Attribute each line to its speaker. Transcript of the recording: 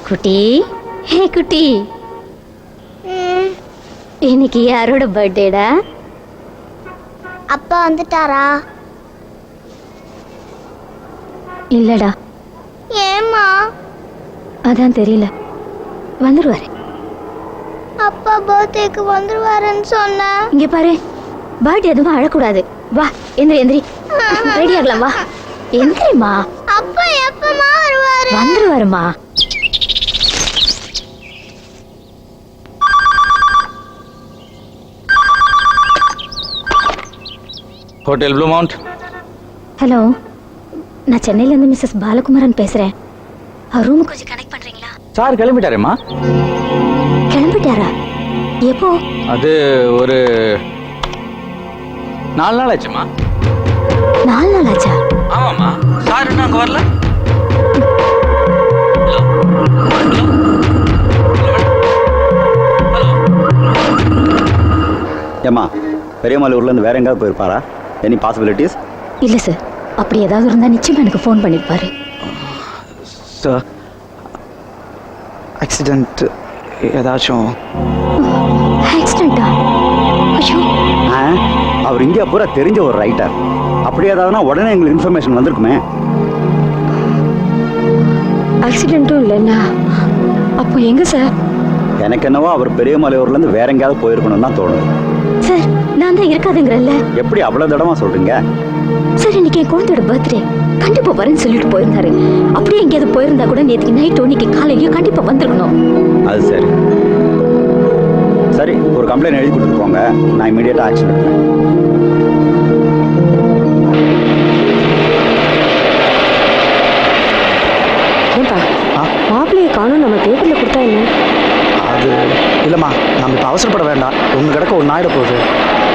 Speaker 1: குட்டி, ஹே குட்டி, இன்னைக்கு யாரோட பர்த்டேடா?
Speaker 2: அப்பா வந்துட்டாரா?
Speaker 1: இல்லடா.
Speaker 2: ஏம்மா?
Speaker 1: அதான் தெரியல, வந்துருவாரு.
Speaker 2: அப்பா பர்த்டேக்கு வந்துருவாருன்னு சொன்ன.
Speaker 1: இங்க பாரு, பர்த்டே எதுவும் அழக்கூடாது. வா எந்திரி எந்திரி, ரெடி ஆகலாம். வா எந்திரிமா.
Speaker 2: அப்பா எப்பமா வருவாரு?
Speaker 1: வந்துருவாருமா.
Speaker 3: Hotel blue mount.
Speaker 1: ஹலோ, நான் சென்னையிலேருந்து மிஸ்ஸஸ் பாலகுமாரன் பேசுகிறேன். அவர் ரூமுக்கு கொஞ்சம் கனெக்ட் பண்ணுறீங்களா?
Speaker 3: சார் கிளம்பிட்டாரேம்மா.
Speaker 1: கிளம்பிட்டாரா? எப்போ?
Speaker 3: அது ஒரு 4 நாள் ஆச்சுமா.
Speaker 1: 4 நாள் ஆச்சா?
Speaker 3: ஆமாம்மா. சார் இன்னும் அங்கே வரல.
Speaker 4: ஏம்மா, பெரியமலையூர்லேருந்து வேற எங்கேயாவது போயிருப்பாரா? Any possibilities?
Speaker 1: இல்லை சார், அப்படி ஏதாவது இருந்தால் நிச்சயமாக எனக்கு ஃபோன் பண்ணியிருப்பாரு.
Speaker 5: சார், ஆக்சிடென்ட் ஏதாச்சும்?
Speaker 1: ஆக்சிடென்ட்டா? ஐயோ.
Speaker 4: அவர் இந்தியா பூரா தெரிஞ்ச ஒரு ரைட்டர். அப்படி ஏதாவதுனா உடனே எங்களுக்கு இன்ஃபர்மேஷன் வந்திருக்குமே.
Speaker 1: ஆக்சிடென்ட்டும் இல்லைண்ணா. அப்போ எங்கே சார்?
Speaker 4: எனக்கு என்னவோ அவர் பெரியமலையூர்லேருந்து வேற எங்கேயாவது போயிருக்கணும்னு தான் தோணுது.
Speaker 1: சார், நான் தான் இருக்காதுங்கிறல்ல.
Speaker 4: எப்படி அவ்வளோ தடமா சொல்கிறீங்க?
Speaker 1: சார், இன்னைக்கு என் குழந்தையோட பர்த்டே, கண்டிப்பாக வரேன்னு சொல்லிட்டு போயிருந்தாரு. அப்படியே எங்கேயாவது போயிருந்தா கூட நேற்றுக்கு நைட்டோ இன்னைக்கு காலையிலையோ கண்டிப்பாக வந்திருக்கணும்.
Speaker 4: அது சரி. சரி, ஒரு கம்ப்ளைண்ட் எழுதி கொடுத்துருக்கோங்க. நான் இமீடியட்டாக ஆக்ஷன் எடுப்பேன்.
Speaker 1: ஏன்பா மாப்பிள்ளையை காணும், நம்ம பேப்பரில் கொடுத்தா என்ன?
Speaker 5: அது இல்லைம்மா, நம்ம இப்போ அவசரப்பட வேண்டாம். ஒன்று கிடக்க ஒன்று ஆகிட போகுது.